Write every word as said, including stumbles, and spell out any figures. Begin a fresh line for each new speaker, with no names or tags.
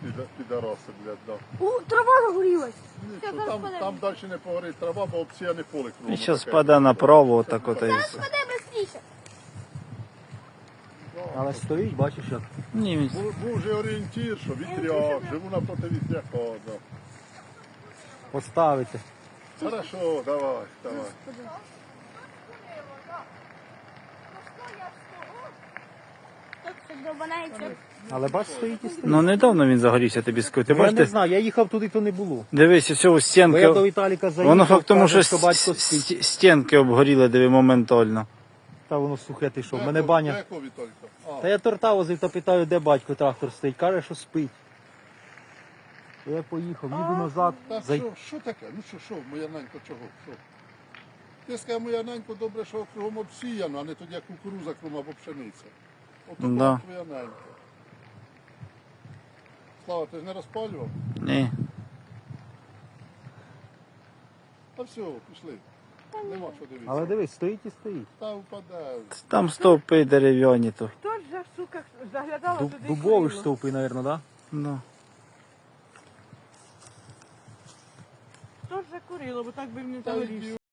піда- підараси, блядь, да.
У, трава загорілась.
Нічого, там, там далі не погорить трава, бо обсіяне поле кругом.
І зараз
таке.
спаде направо, отак от і все.
Спаде швидше.
Але стоїть, бачиш як.
Ні, він-
Був, був же орієнтір, що вітряк, живу напроти вітряка, да.
Поставити.
Хорошо, давай, давай.
Так, це довбанається.
Але бач, стоїть і стоїть.
Ну недавно він загорівся, тобі скажу. Ти
Ну, я не
бачите?
знаю, я їхав туди, то не було.
Дивись, ось цього
Бо я до
стінки.
Віталіка заїхав,
Воно факт тому,
каже,
що
батько
с-
спить.
с- стінки обгоріли, диви, моментально.
Та воно сухе, ти що, в
Де
мене
ко-
баня.
де ко, Віталька? А,
Та я торта возив та питаю, де батько трактор стоїть. Каже, що спить. Я поїхав, їду назад.
Та
Зай...
що, що таке? Ну що, що, моя ненько, чого? Що? Ти скажи, моя ненько, добре, що кругом обсіяно, а не тоді як кукуруза кругом або пшениця. Ото
Да.
була твоя ненька. Слава, ти ж не розпалював?
Ні.
Та все, пішли. Нема що дивитися.
Але дивись, стоїть і стоїть.
Та впаде.
Там стовпи дерев'яні то.
Хто ж за сука заглядала
Дуб,
туди?
дубові ж
курило?
стовпи, мабуть, да?
Ну.
Хто ж закурило, бо так би мені
Та
загорівся.
йди